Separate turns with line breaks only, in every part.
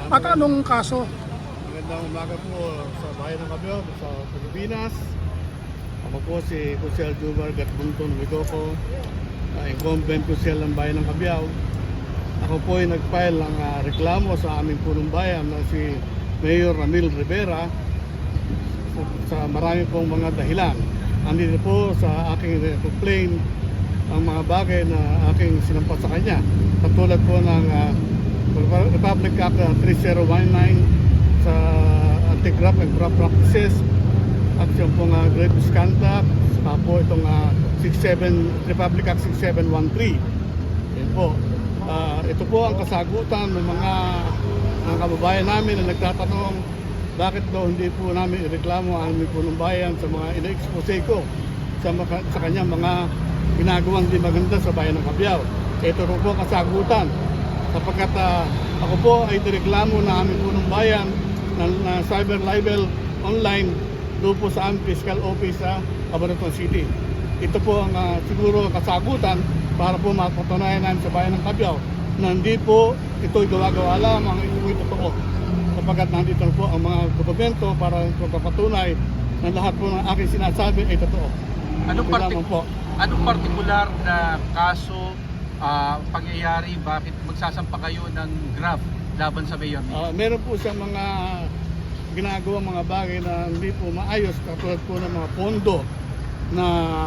At anong kaso?
Magandang umaga po sa bayan ng Cabiao, sa Pilipinas. Ako po si Kusel Jumar Gatbunton Wigoco, incumbent Kusel ng bayan ng Cabiao. Ako po ay nag-file ng reklamo sa aming punong bayan na si Mayor Ramil Rivera sa marami pong mga dahilan. Andito po sa aking complaint ang mga bagay na aking sinampas sa kanya. Katulad po ng Republic Act 3019 sa anti-graft and graft practices at yung pong grave misconduct, saka po itong Republic Act 6713. Yan po. Ito po ang kasagutan ng mga kababayan namin na nagtatanong bakit daw hindi po namin ireklamo ang aming punong bayan sa mga ina-expose ko sa kanyang mga ginagawang di maganda sa bayan ng Cabiao. Ito po ang kasagutan sapagkat ako po ay direklamo na aming punong bayan na cyber libel online doon po sa aming fiscal office sa Cabanatuan City. Ito po ang siguro kasagutan para po mapatunayan namin sa bayan ng Cabiao na hindi po ito'y gawa-gawa lamang, ito'y totoo. Sapagkat nandito po ang mga dokumento para papatunay na lahat po ng aking sinasabi ay totoo.
Anong partikular na kaso, pangyayari, bakit magsasampa kayo ng graft laban sa mayor?
Meron po siyang mga ginagawa mga bagay na hindi po maayos, katulad po ng mga pondo na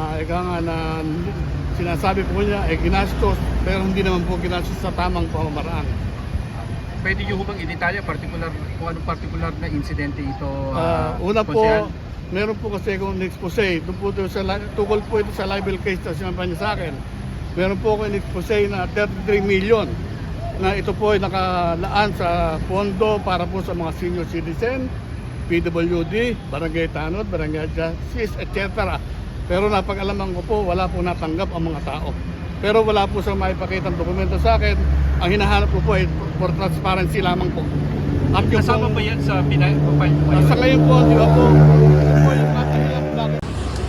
sinasabi po niya ay ginastos pero hindi naman po ginastos sa tamang pamamaraan.
Pwede nyo bang i-detalya kung anong partikular na insidente ito?
Una po, meron po kasi akong expose. Tukol po ito sa libel case na sinabi niya sa akin. Meron po akong expose na 33 million na ito po ay nakalaan sa pondo para po sa mga senior citizen, PWD, barangay tanod, barangay justice, etc. Pero napag-alaman ko po, wala po natanggap ang mga tao. Pero wala po sa maipakitang dokumento sa akin. Ang hinahanap ko po ay for transparency lamang po.
At kasama ba yan sa pinag-profile po?
Sa ngayon po, di ba po? Ito po yung matahilang bakit.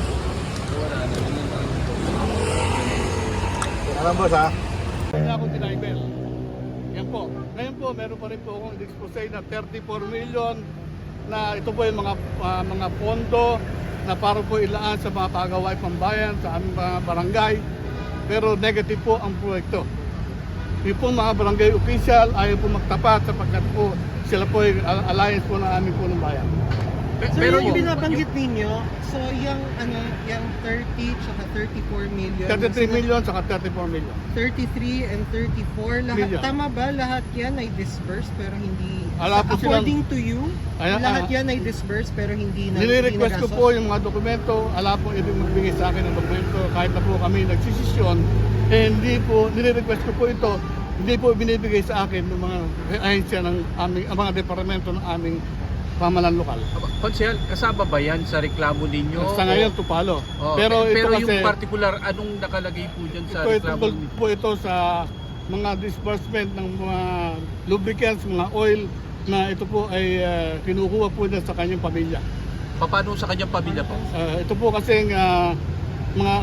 Alam boss ha?
Kaya akong tinibel. Yan po. Ngayon po, meron pa rin po akong expose na 34 million na ito po yung mga pondo na para po ilaan sa mga pagawain pambayan sa aming mga barangay. Pero negative po ang proyekto. Yung po mga barangay official ayaw po magtapat sapagkat po sila po ay alliance po ng aming punong bayan.
Pero yung binabanggit ninyo, so yung 30 tsaka 34 million.
33 million tsaka 34 million.
33 and 34, lahat,
Million.
tama ba lahat yan ay disbursed pero hindi,
silang,
according to you, lahat yan ay disbursed pero hindi na
nire-request ko
nagastos?
po yung mga dokumento, ala po ibig magbigay sa akin ng dokumento kahit na po kami nagsisisyon, hindi po, nire-request ko po ito, hindi po binibigay sa akin ng mga ahensya ng aming, ang mga departamento ng aming pamahalaan lokal.
Konsehal, kasama ba yan sa reklamo ninyo?
Sa ngayon, tupalo.
Pero
ito kasi,
yung particular, anong nakalagay po dyan sa reklamo ninyo?
po ito sa mga disbursement ng mga lubricants, mga oil, na ito po ay kinukuha po niya sa kanyang pamilya.
Paano sa kanyang pamilya po?
Ito po kasi mga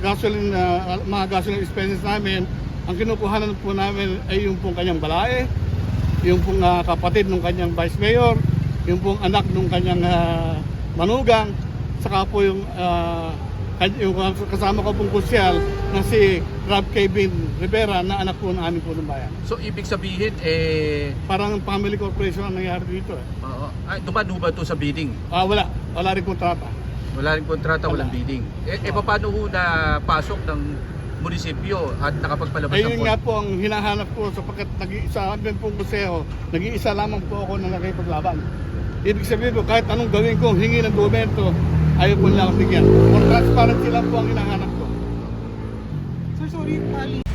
gasoline expenses namin, ang kinukuhanan po namin ay yung pong kanyang balae, yung pong kapatid ng kanyang vice mayor, yung pong anak ng kanyang manugang, saka po yung kasama ko pong kusyal na si Rob Kevin Rivera na anak po ng aming punong bayan.
So ibig sabihin,
Parang family corporation ang nangyari dito.
dumaan ba ito sa bidding?
Wala rin kontrata.
Wala rin kontrata, walang bidding. Paano ho na pasok ng munisipyo at nakapagpalabas ng
Ayun nga po ang hinahanap ko sapagkat nag-iisa din pong museo, nag-iisa lamang po ako na nakipaglaban. Ibig sabihin ko kahit anong gawin ko, hingi ng dokumento, ayaw po nila akong bigyan. For transparency lang po ang hinahanap ko.
Sir, sorry,